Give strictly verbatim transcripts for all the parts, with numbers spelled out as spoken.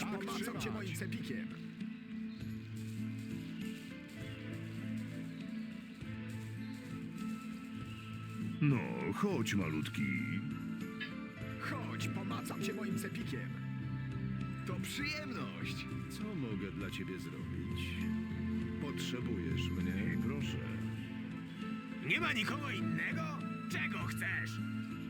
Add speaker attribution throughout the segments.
Speaker 1: pomacam cię moim cepikiem.
Speaker 2: No, chodź, malutki.
Speaker 1: Chodź, pomacam cię moim cepikiem. To przyjemność.
Speaker 2: Co mogę dla ciebie zrobić? Potrzebujesz mnie? Proszę.
Speaker 3: Nie ma nikogo innego? Czego chcesz?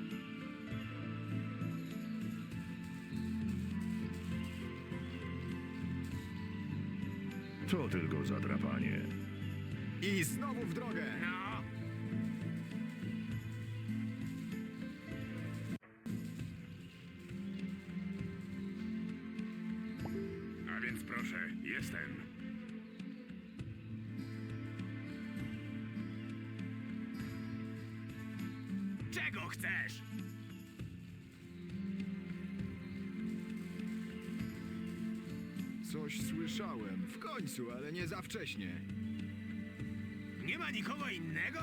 Speaker 2: To tylko zadrapanie.
Speaker 1: I znowu w drogę.
Speaker 3: No,
Speaker 2: A więc proszę, jestem.
Speaker 3: czego chcesz?
Speaker 1: Coś słyszałem. W końcu, ale nie za wcześnie.
Speaker 3: Nie ma nikogo innego?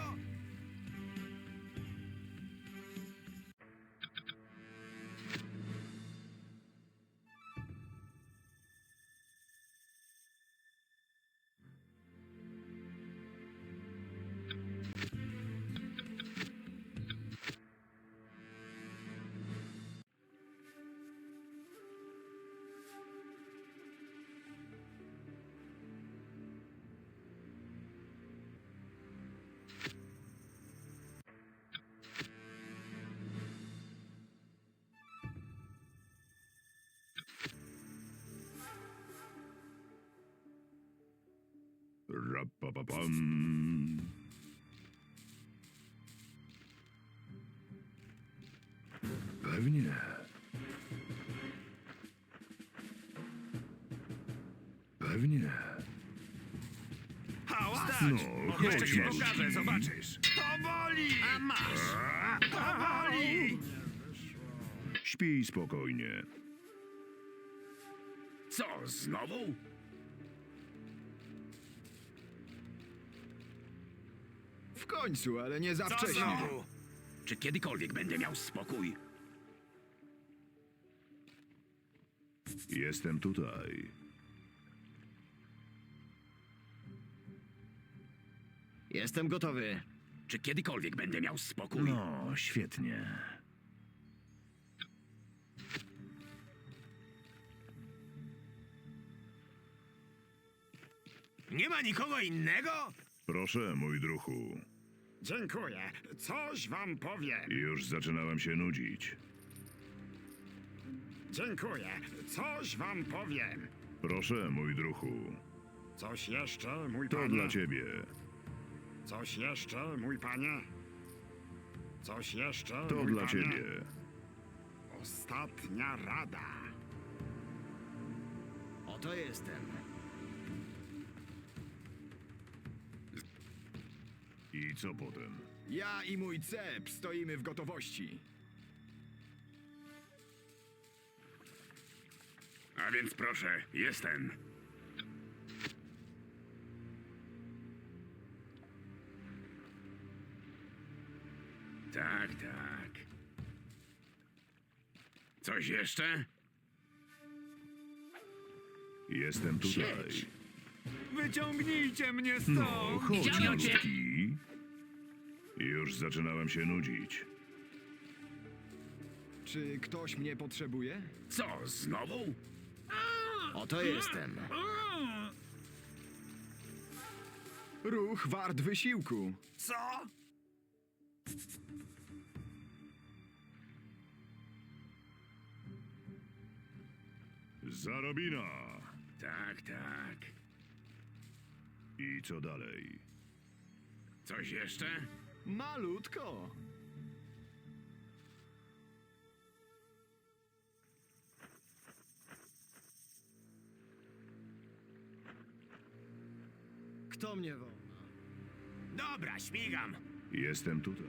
Speaker 2: Rapapapam. Pewnie. Pewnie.
Speaker 3: Hałas!
Speaker 2: No, chodź,
Speaker 3: Jeszcze ci
Speaker 2: malutki.
Speaker 3: pokażę, zobaczysz. To boli! A masz! To boli!
Speaker 2: Śpij spokojnie.
Speaker 3: Co, znowu?
Speaker 1: W końcu, ale nie za
Speaker 3: Co
Speaker 1: wcześnie.
Speaker 3: znowu? Czy kiedykolwiek będę miał spokój?
Speaker 2: Jestem tutaj.
Speaker 4: Jestem gotowy.
Speaker 3: Czy kiedykolwiek będę miał spokój?
Speaker 2: No, świetnie.
Speaker 3: Nie ma nikogo innego?
Speaker 2: Proszę, mój druhu.
Speaker 5: Dziękuję. Coś wam powiem.
Speaker 2: Już zaczynałem się nudzić.
Speaker 5: Dziękuję. Coś wam powiem.
Speaker 2: Proszę, mój druhu.
Speaker 5: Coś jeszcze, mój
Speaker 2: To
Speaker 5: panie?
Speaker 2: dla ciebie.
Speaker 5: Coś jeszcze, mój panie? Coś jeszcze,
Speaker 2: To
Speaker 5: mój
Speaker 2: dla
Speaker 5: panie?
Speaker 2: ciebie.
Speaker 5: Ostatnia rada.
Speaker 4: Oto jestem.
Speaker 2: I co potem?
Speaker 1: Ja i mój cep stoimy w gotowości.
Speaker 2: A więc proszę, jestem.
Speaker 3: Tak, tak. Coś jeszcze?
Speaker 2: Jestem tutaj.
Speaker 3: Siedź. Wyciągnijcie mnie
Speaker 2: No, chodź,
Speaker 3: Widziałem cię.
Speaker 2: malutki. Już zaczynałem się nudzić.
Speaker 1: Czy ktoś mnie potrzebuje?
Speaker 3: Co, znowu?
Speaker 4: Oto jestem.
Speaker 1: Ruch wart wysiłku.
Speaker 3: Co?
Speaker 2: Zarobina.
Speaker 3: Tak, tak.
Speaker 2: I co dalej?
Speaker 3: Coś jeszcze?
Speaker 1: Malutko.
Speaker 4: Kto mnie woła?
Speaker 3: Dobra, śmigam.
Speaker 2: Jestem tutaj.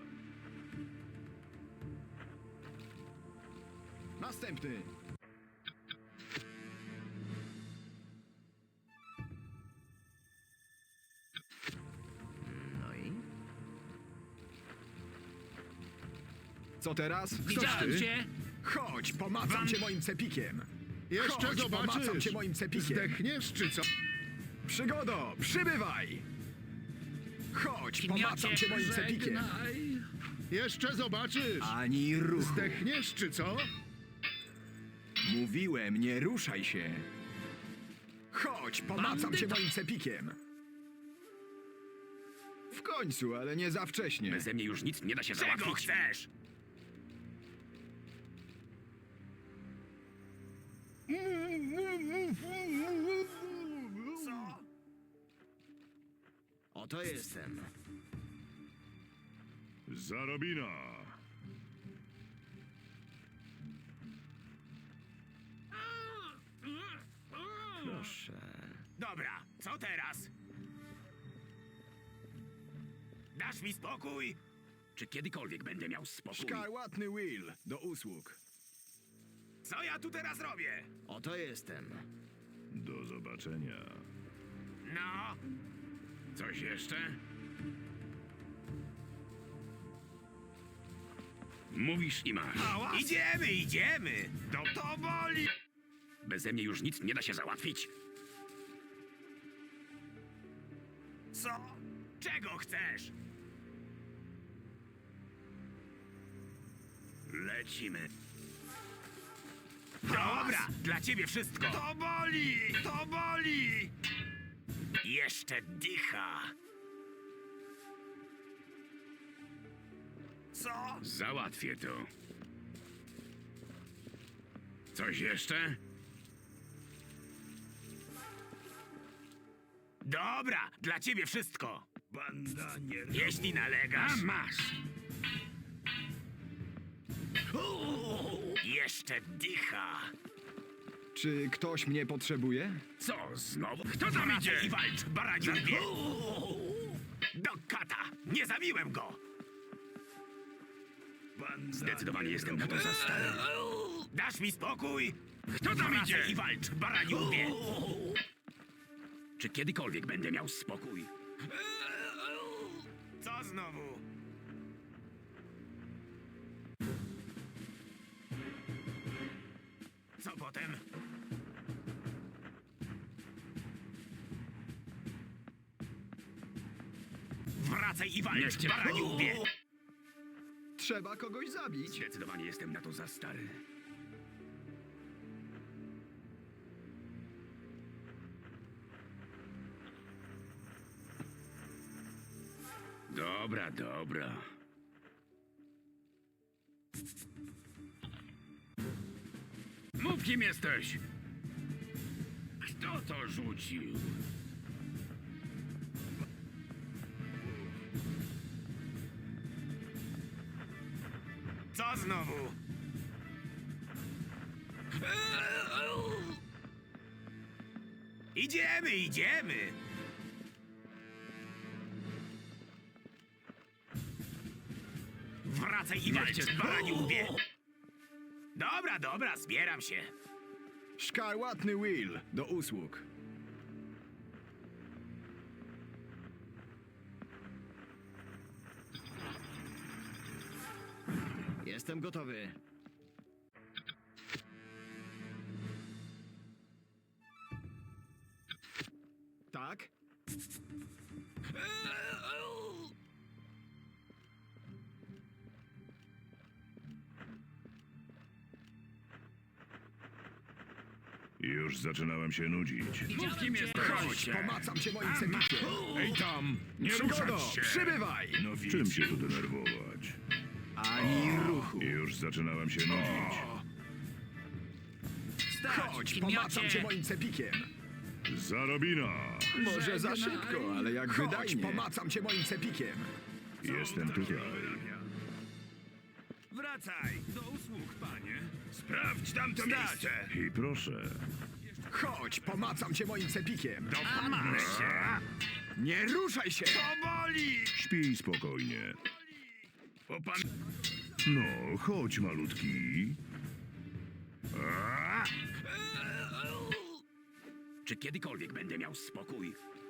Speaker 1: Następny.
Speaker 4: No i?
Speaker 1: Co teraz? Ktoś
Speaker 3: Widziałem
Speaker 1: ty?
Speaker 3: cię.
Speaker 1: Chodź, pomacam
Speaker 3: Wam-
Speaker 1: cię moim cepikiem.
Speaker 2: Jeszcze
Speaker 1: Chodź, pomacam
Speaker 2: zobaczysz.
Speaker 1: cię moim cepikiem.
Speaker 2: Zdechniesz, czy co?
Speaker 1: Przygodo, przybywaj! Chodź, pomacam cię moim cepikiem.
Speaker 2: Jeszcze zobaczysz.
Speaker 1: Ani ruchu.
Speaker 2: Zdechniesz, czy co?
Speaker 1: Mówiłem, nie ruszaj się. Chodź, pomacam cię moim cepikiem. W końcu, ale nie za wcześnie.
Speaker 3: Beze mnie już nic nie da się załatwić. Czego chcesz? Co?
Speaker 4: Oto jestem.
Speaker 2: Zarobina.
Speaker 4: Proszę.
Speaker 3: Dobra, co teraz? Dasz mi spokój? Czy kiedykolwiek będę miał spokój?
Speaker 1: Szkarłatny Will, do usług.
Speaker 3: Co ja tu teraz robię?
Speaker 4: Oto jestem.
Speaker 2: Do zobaczenia.
Speaker 3: No? Coś jeszcze? Mówisz i masz. Idziemy, idziemy! Do to boli! Beze mnie już nic nie da się załatwić. Co? Czego chcesz? Lecimy. Dobra, dla ciebie wszystko. To boli! To boli! Jeszcze dycha. Co? Załatwię to. Coś jeszcze? Dobra, dla ciebie wszystko. Banda nie. Jeśli nalegasz. A masz. Jeszcze dycha.
Speaker 1: Czy ktoś mnie potrzebuje?
Speaker 3: Co znowu? Kto tam idzie? I walcz, baraniu wie. Do kata! Nie zabiłem go! Zdecydowanie jestem na to za stary. Dasz mi spokój? Kto tam idzie? I walcz, baraniu wie. Czy kiedykolwiek będę miał spokój? Co znowu? Co potem? Wracaj i walcz, baraniu wie.
Speaker 1: Trzeba kogoś zabić.
Speaker 3: Zdecydowanie jestem na to za stary. Dobra, dobra. Mów, kim jesteś? Kto to rzucił? Co znowu? Idziemy, idziemy! Wracaj i walcz, baraniu wie! Dobra, dobra, zbieram się.
Speaker 1: Szkarłatny Will, do usług.
Speaker 4: Jestem gotowy.
Speaker 1: Tak?
Speaker 2: Już zaczynałem się nudzić.
Speaker 3: Mów, kim jesteś?
Speaker 1: Chodź, pomacam cię moim cepikiem.
Speaker 3: Ej tam, nie
Speaker 1: Przygodo,
Speaker 3: ruszać się!
Speaker 1: przybywaj!
Speaker 2: No czym się tu denerwować?
Speaker 1: Ani ruchu.
Speaker 2: Już zaczynałem się nudzić.
Speaker 1: Chodź, pomacam cię moim cepikiem.
Speaker 2: Zarobina.
Speaker 1: Może za szybko, ale jak
Speaker 5: Chodź,
Speaker 1: wydajnie.
Speaker 5: pomacam cię moim cepikiem.
Speaker 2: Jestem tutaj.
Speaker 3: Wracaj! Do usług, panie. Sprawdź tamto miejsce!
Speaker 2: I proszę.
Speaker 5: Chodź, pomacam cię moim cepikiem.
Speaker 3: Dopadnę się!
Speaker 5: Nie ruszaj się!
Speaker 3: To boli!
Speaker 2: Śpij spokojnie.
Speaker 3: Popan...
Speaker 2: No, chodź malutki.
Speaker 3: Czy kiedykolwiek będę miał spokój?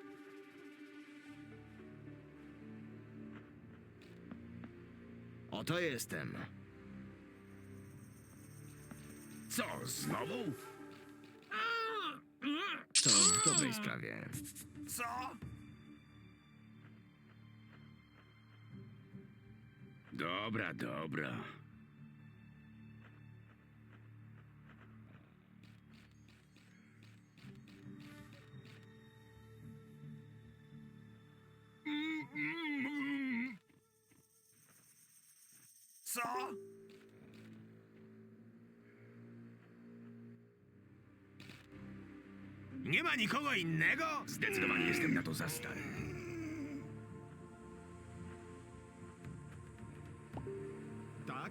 Speaker 4: Oto jestem.
Speaker 3: Co, znowu?
Speaker 4: To w dobrej sprawie.
Speaker 3: Co? Dobra, dobra. Co? Nie ma nikogo innego? Zdecydowanie jestem na to za stary.
Speaker 5: Tak?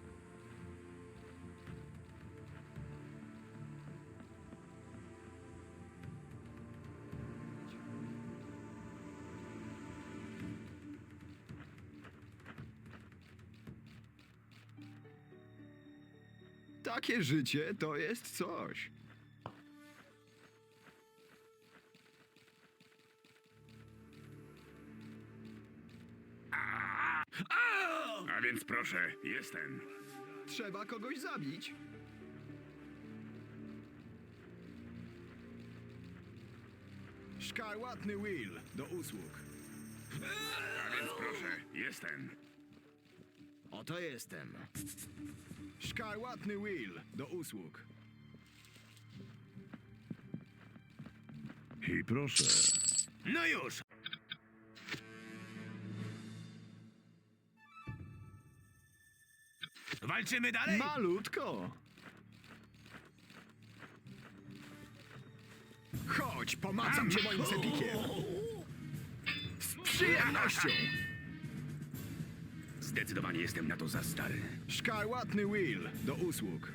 Speaker 5: Takie życie to jest coś.
Speaker 3: A więc proszę, jestem.
Speaker 5: Trzeba kogoś zabić. Szkarłatny Will do usług.
Speaker 3: A więc proszę, jestem.
Speaker 4: Oto jestem.
Speaker 5: Szkarłatny Will do usług.
Speaker 2: I proszę.
Speaker 3: No już! Walczymy dalej?
Speaker 5: Malutko. Chodź, pomacam cię moim cepikiem. Z przyjemnością.
Speaker 3: Zdecydowanie jestem na to za stary.
Speaker 5: Szkarłatny Will do usług.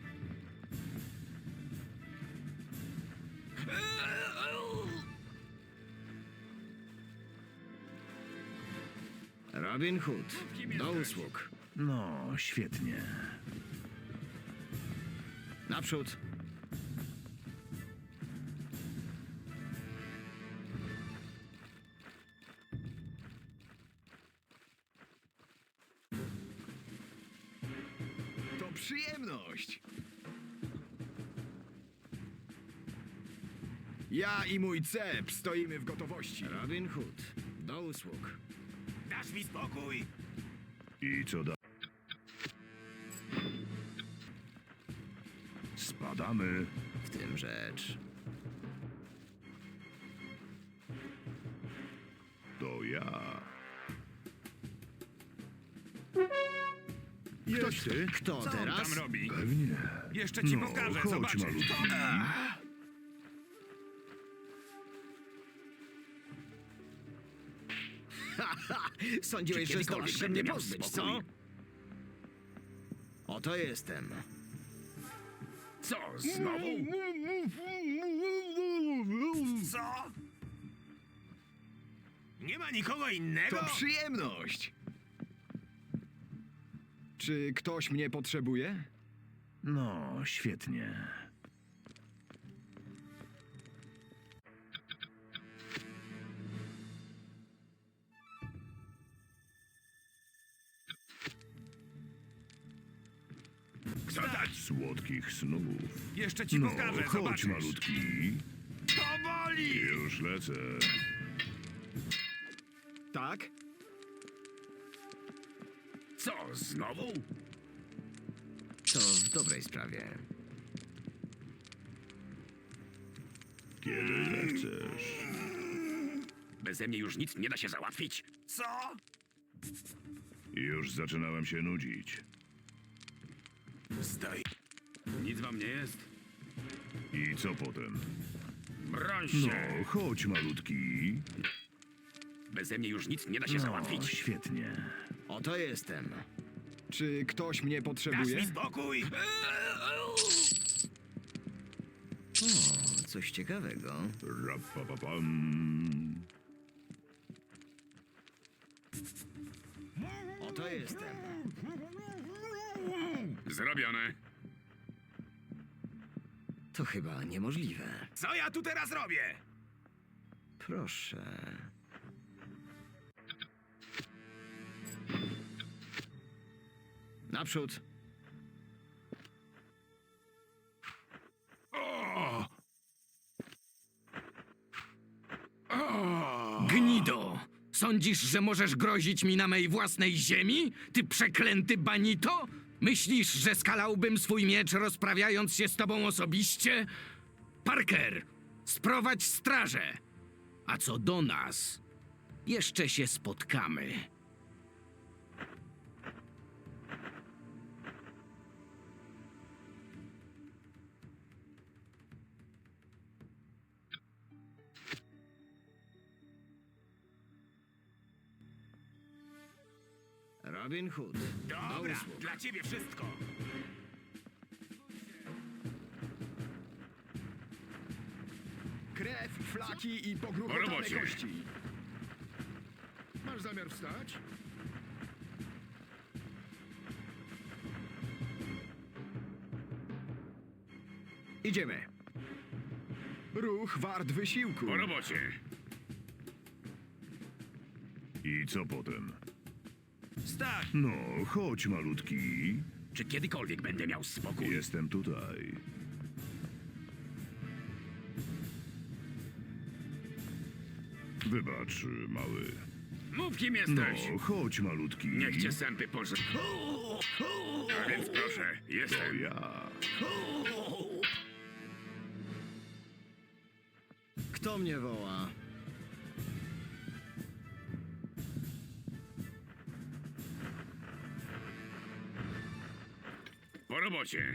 Speaker 4: Robin Hood. Do usług.
Speaker 2: No, świetnie.
Speaker 4: Naprzód.
Speaker 5: To przyjemność. Ja i mój cep stoimy w gotowości.
Speaker 4: Robin Hood. Do usług.
Speaker 3: Dasz mi spokój!
Speaker 2: I co da? Spadamy.
Speaker 4: W tym rzecz.
Speaker 2: To ja.
Speaker 5: Ktoś ty?
Speaker 4: Kto
Speaker 3: Co on
Speaker 4: teraz?
Speaker 3: tam robi?
Speaker 2: Pewnie.
Speaker 3: Jeszcze ci
Speaker 2: No,
Speaker 3: pokażę,
Speaker 2: chodź,
Speaker 3: zobaczysz.
Speaker 2: malutki.
Speaker 4: Sądziłeś,
Speaker 3: Czy
Speaker 4: że
Speaker 3: kiedykolwiek
Speaker 4: zdołasz się
Speaker 3: będę
Speaker 4: mnie
Speaker 3: miał
Speaker 4: pozbyć, co?
Speaker 3: spokój?
Speaker 4: Oto jestem.
Speaker 3: Co, znowu? Co? Nie ma nikogo innego?
Speaker 5: To przyjemność. Czy ktoś mnie potrzebuje?
Speaker 2: No, świetnie.
Speaker 3: Kto tak?
Speaker 2: Słodkich snów.
Speaker 3: Jeszcze ci
Speaker 2: No,
Speaker 3: pokażę,
Speaker 2: chodź,
Speaker 3: zobaczysz.
Speaker 2: malutki.
Speaker 3: To boli!
Speaker 2: Już lecę.
Speaker 5: Tak?
Speaker 3: Co, znowu?
Speaker 4: To w dobrej sprawie.
Speaker 2: Kiedy zechcesz.
Speaker 3: Beze mnie już nic nie da się załatwić. Co?
Speaker 2: Już zaczynałem się nudzić.
Speaker 3: Stoi. Nic wam nie jest?
Speaker 2: I co potem?
Speaker 3: Broń
Speaker 2: No,
Speaker 3: się!
Speaker 2: chodź, malutki.
Speaker 3: Beze mnie już nic nie da się
Speaker 2: No,
Speaker 3: załatwić.
Speaker 2: świetnie.
Speaker 4: Oto jestem.
Speaker 5: Czy ktoś mnie
Speaker 3: Dasz mi
Speaker 5: potrzebuje?
Speaker 3: spokój!
Speaker 4: O, coś ciekawego.
Speaker 2: Rapapapam.
Speaker 4: Oto jestem.
Speaker 3: Zrobione.
Speaker 4: To chyba niemożliwe.
Speaker 3: Co ja tu teraz robię?
Speaker 4: Proszę. Naprzód.
Speaker 3: Gnido! Sądzisz, że możesz grozić mi na mej własnej ziemi? Ty przeklęty banito? Myślisz, że skalałbym swój miecz rozprawiając się z tobą osobiście? Parker, sprowadź strażę! A co do nas, jeszcze się spotkamy.
Speaker 4: Robin Hood.
Speaker 3: Dobra, dla ciebie wszystko.
Speaker 5: Krew, flaki i
Speaker 3: Po
Speaker 5: pogrubotane
Speaker 3: robocie.
Speaker 5: kości.
Speaker 2: Masz zamiar wstać?
Speaker 5: Idziemy. Ruch wart wysiłku.
Speaker 3: Po robocie.
Speaker 2: I co potem?
Speaker 3: Stać!
Speaker 2: No, chodź malutki.
Speaker 3: Czy kiedykolwiek będę miał spokój?
Speaker 2: Jestem tutaj. Wybacz, mały.
Speaker 3: Mów, kim
Speaker 2: No,
Speaker 3: jesteś.
Speaker 2: chodź malutki.
Speaker 3: Niech cię sępy pożre... A więc proszę,
Speaker 2: To
Speaker 3: jestem.
Speaker 2: ja.
Speaker 4: Kto mnie woła?
Speaker 3: Po robocie.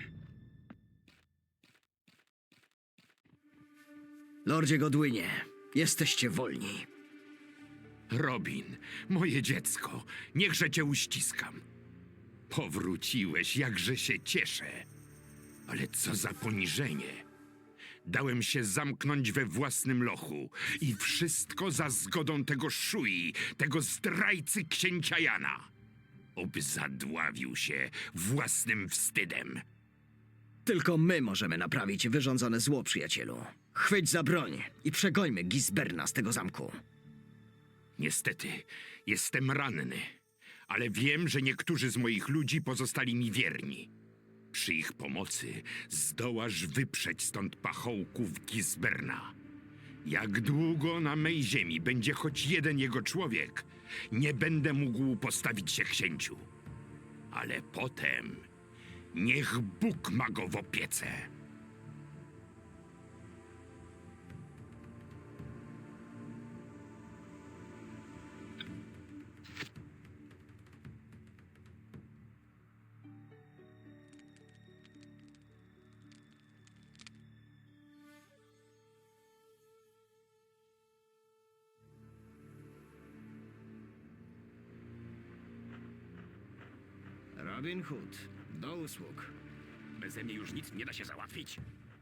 Speaker 4: Lordzie Godwynie, jesteście wolni.
Speaker 6: Robin, moje dziecko, niechże cię uściskam. Powróciłeś, jakże się cieszę. Ale co za poniżenie. Dałem się zamknąć we własnym lochu i wszystko za zgodą tego Szui, tego zdrajcy księcia Jana. Oby zadławił się własnym wstydem.
Speaker 4: Tylko my możemy naprawić wyrządzone zło, przyjacielu. Chwyć za broń i przegońmy Gisberna z tego zamku.
Speaker 6: Niestety, jestem ranny, ale wiem, że niektórzy z moich ludzi pozostali mi wierni. Przy ich pomocy zdołasz wyprzeć stąd pachołków Gisberna. Jak długo na mej ziemi będzie choć jeden jego człowiek, nie będę mógł postawić się księciu. Ale potem niech Bóg ma go w opiece.
Speaker 4: Robin Hood, do usług.
Speaker 3: Beze mnie już nic nie da się załatwić.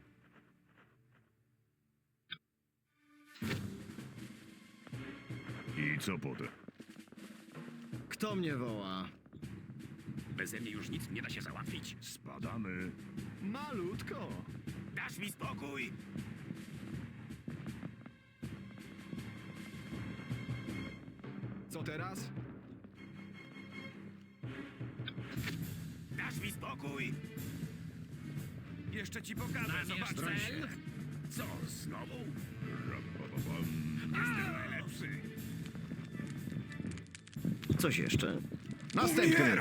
Speaker 2: I co potem?
Speaker 4: Kto mnie woła?
Speaker 3: Beze mnie już nic nie da się załatwić.
Speaker 2: Spadamy.
Speaker 5: Malutko.
Speaker 3: Dasz mi spokój?
Speaker 5: Co teraz?
Speaker 3: Dasz mi spokój? Jeszcze ci pokażę, zobacz.
Speaker 4: cel?
Speaker 3: Co, znowu?
Speaker 2: Rapapapam.
Speaker 3: Jestem najlepszy.
Speaker 4: Coś jeszcze?
Speaker 5: Następny.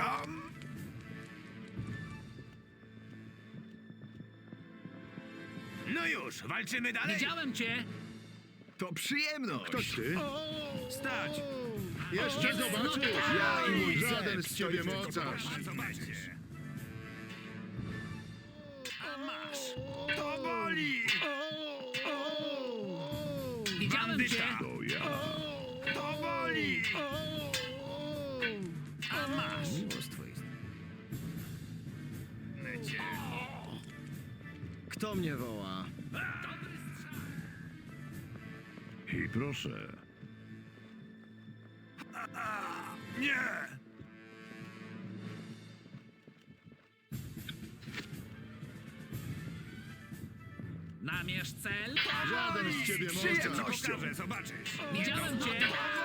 Speaker 3: No już, walczymy dalej?
Speaker 7: Widziałem cię!
Speaker 5: To przyjemność.
Speaker 2: Ktoś ty?
Speaker 3: Stać!
Speaker 2: Jeszcze zobaczysz!
Speaker 5: Ja i mój
Speaker 2: Żaden
Speaker 5: zep
Speaker 2: z ciebie
Speaker 5: stoimy
Speaker 2: mocarz!
Speaker 3: Zobaczcie. A masz! To boli!
Speaker 7: Widziałem cię!
Speaker 3: Bandyta!
Speaker 2: To ja.
Speaker 3: To boli! A masz!
Speaker 4: Miło z twojej strony.
Speaker 3: Lecie.
Speaker 4: Kto mnie woła?
Speaker 2: I proszę.
Speaker 3: Nie!
Speaker 7: Namierz cel!
Speaker 2: Żaden z ciebie mocarz!
Speaker 3: Pokażę, zobaczysz!
Speaker 7: Widziałem cię!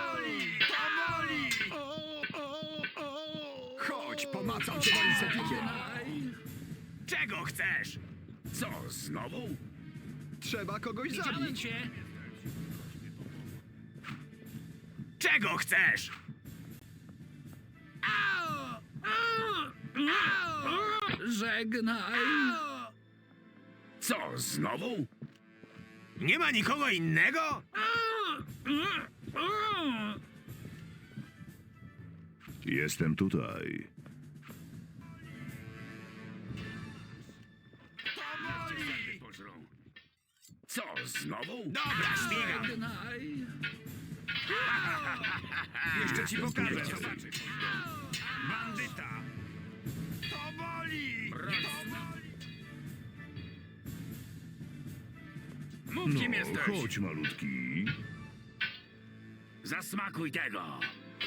Speaker 5: Chodź, pomacam cię moim sepikiem.
Speaker 3: Czego chcesz? Co, znowu?
Speaker 5: Trzeba kogoś
Speaker 7: Widziałem
Speaker 5: zabić.
Speaker 7: cię!
Speaker 5: Czego chcesz?
Speaker 7: Żegnaj.
Speaker 5: Co, znowu? Nie ma nikogo innego?
Speaker 2: Jestem tutaj.
Speaker 5: Co, znowu? Dobra, śmigam.
Speaker 7: Żegnaj.
Speaker 5: Jeszcze ci pokażę, zobaczysz. Bandyta! To boli! Mów, kim
Speaker 2: No,
Speaker 5: jesteś!
Speaker 2: chodź, malutki.
Speaker 5: Zasmakuj tego!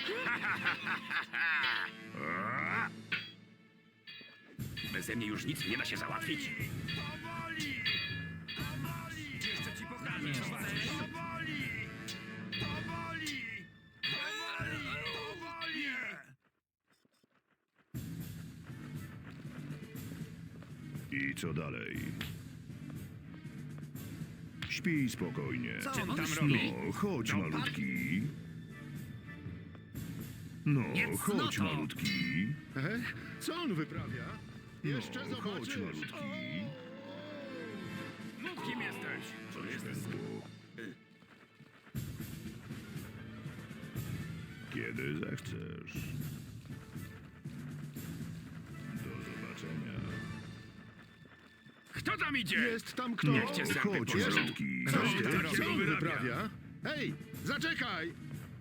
Speaker 5: Beze mnie już nic nie da się załatwić. To boli! To boli! Jeszcze ci pokażę, zobaczysz. To boli! To boli! To boli! To boli!
Speaker 2: I co dalej? Śpij spokojnie.
Speaker 5: Co on tam robi?
Speaker 2: No, chodź,
Speaker 5: Dopadł?
Speaker 2: malutki. No,
Speaker 5: Nie
Speaker 2: chodź,
Speaker 5: cnoto.
Speaker 2: malutki.
Speaker 1: Ech, co on wyprawia? Jeszcze
Speaker 2: No, chodź,
Speaker 1: zobaczysz.
Speaker 2: malutki.
Speaker 5: Mów, kim jesteś!
Speaker 2: Co się stało? Kiedy zechcesz. Do zobaczenia.
Speaker 5: Kto tam idzie?
Speaker 1: Jest tam kto?
Speaker 5: Niech cię zęby
Speaker 2: Chodź,
Speaker 5: pożrą.
Speaker 2: malutki.
Speaker 1: Co,
Speaker 5: Co
Speaker 1: ty?
Speaker 5: on tam
Speaker 1: Co on
Speaker 5: robi?
Speaker 1: wyprawia? Hej, zaczekaj!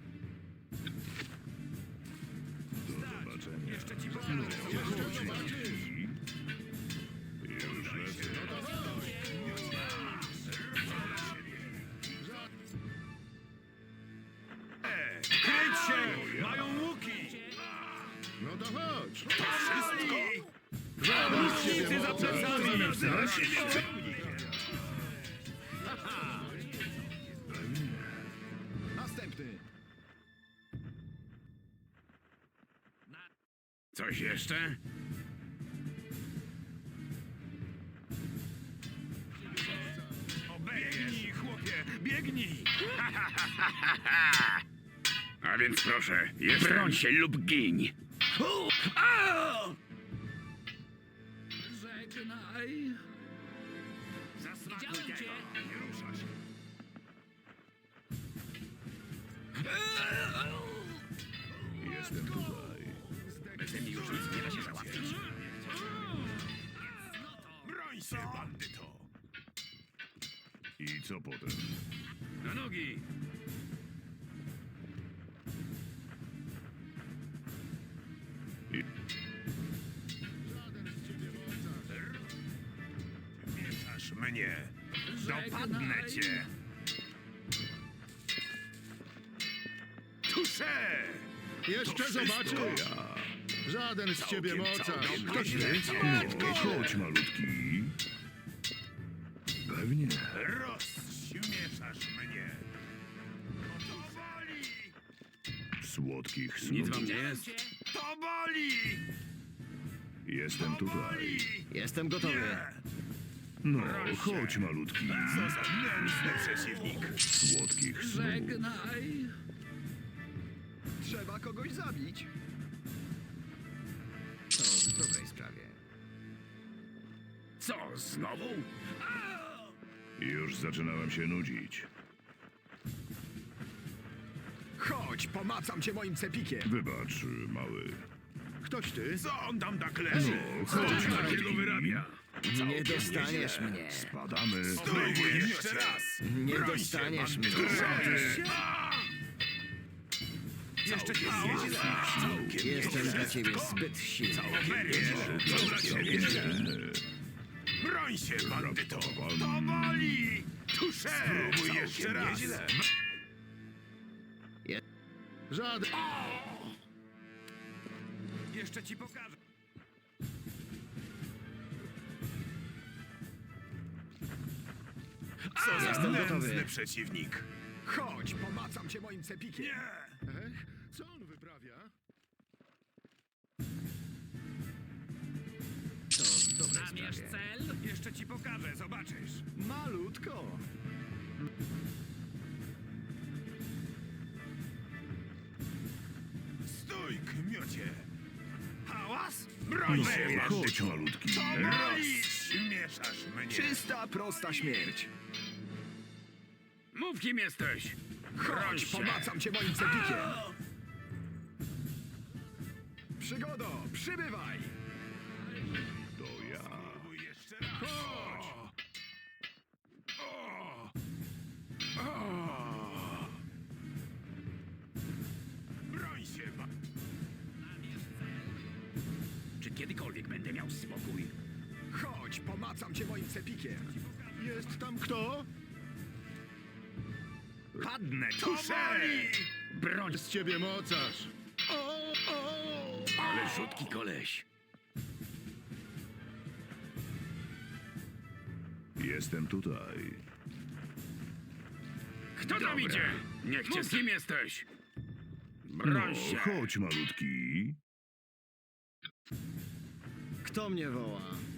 Speaker 2: Do zobaczenia.
Speaker 5: Jeszcze ci pokażę.
Speaker 2: Chodź, malutki. Już lecę.
Speaker 5: Kryć się! Mają łuki!
Speaker 1: No to chodź!
Speaker 5: Wszystko!
Speaker 1: Żaden z ciebie
Speaker 5: Ty za
Speaker 1: moca.
Speaker 5: plecami!
Speaker 1: Chcesz? Następny!
Speaker 5: Coś jeszcze? Biegnij, chłopie, biegnij! A więc proszę, broń się lub giń!
Speaker 7: Żegnaj.
Speaker 5: Zasmakuj
Speaker 7: Widziałem
Speaker 5: tego!
Speaker 7: cię.
Speaker 5: Nie rusza się!
Speaker 2: Jestem tutaj.
Speaker 5: Beze mnie już nic nie da się załatwić. Broń się, bandyto!
Speaker 2: I co potem?
Speaker 5: Na nogi! Mieszasz mnie! Dopadnę cię! Tusze!
Speaker 1: Jeszcze zobaczysz!
Speaker 2: Ja.
Speaker 1: Żaden z ciebie
Speaker 5: Całkiem,
Speaker 1: mocarz!
Speaker 5: całkiem
Speaker 1: Kto
Speaker 5: nieźle,
Speaker 1: ty?
Speaker 5: całkiem
Speaker 2: No, chodź, malutki. Pewnie.
Speaker 5: Rozśmieszasz mnie! To boli!
Speaker 2: Słodkich snów.
Speaker 5: Nic wam nie jest? To boli!
Speaker 2: Jestem tutaj.
Speaker 4: Jestem gotowy.
Speaker 2: No, chodź, malutki.
Speaker 5: Co za nędzny przeciwnik!
Speaker 2: Słodkich snów.
Speaker 7: Żegnaj.
Speaker 1: Trzeba kogoś zabić!
Speaker 4: To w dobrej sprawie.
Speaker 5: Co, znowu?
Speaker 2: Już zaczynałem się nudzić.
Speaker 1: Chodź, pomacam cię moim cepikiem!
Speaker 2: Wybacz, mały.
Speaker 1: Ktoś ty?
Speaker 5: Co on tam tak leży?
Speaker 2: No,
Speaker 5: Co
Speaker 2: chodź,
Speaker 5: on takiego
Speaker 2: malutki.
Speaker 5: wyrabia?
Speaker 4: Nie dostaniesz mnie.
Speaker 2: Spadamy.
Speaker 5: Spróbuj jeszcze raz!
Speaker 4: Nie
Speaker 5: Broń się,
Speaker 4: dostaniesz mnie.
Speaker 5: bandyto. Jeszcze cię zjedzie.
Speaker 4: Jestem dla ciebie zbyt silny.
Speaker 5: Broń się, bandyto! To boli! Tusze! Spróbuj jeszcze raz!
Speaker 1: Żaden...
Speaker 5: Jeszcze ci pokażę. Co za
Speaker 4: Jestem
Speaker 5: nędzny
Speaker 4: gotowy.
Speaker 5: przeciwnik!
Speaker 1: Chodź, pomacam cię moim cepikiem!
Speaker 5: Nie!
Speaker 1: Ech, co on wyprawia?
Speaker 4: To w dobrej
Speaker 7: Namierz
Speaker 4: sprawie.
Speaker 7: cel.
Speaker 5: Jeszcze ci pokażę, zobaczysz.
Speaker 1: Malutko!
Speaker 5: Broń się,
Speaker 2: Chodź, malutki.
Speaker 5: Rozśmieszasz mnie.
Speaker 1: Czysta, prosta śmierć.
Speaker 5: Mów, kim jesteś. Broń
Speaker 1: Chodź,
Speaker 5: się.
Speaker 1: pomacam cię moim cepikiem. Przygodo, przybywaj.
Speaker 2: To ja.
Speaker 5: Jeszcze raz. Chodź. O. O. Broń się, ba... Czy kiedykolwiek będę miał spokój?
Speaker 1: Chodź, pomacam cię moim cepikiem.
Speaker 2: Jest tam kto?
Speaker 5: Padnę, tuszę! Broń.
Speaker 2: Z ciebie mocarz. O, o.
Speaker 5: Ale rzutki koleś.
Speaker 2: Jestem tutaj.
Speaker 5: Kto tam idzie? Niech cię z kim jesteś? Broń
Speaker 2: No,
Speaker 5: się.
Speaker 2: chodź, malutki.
Speaker 4: Kto mnie woła?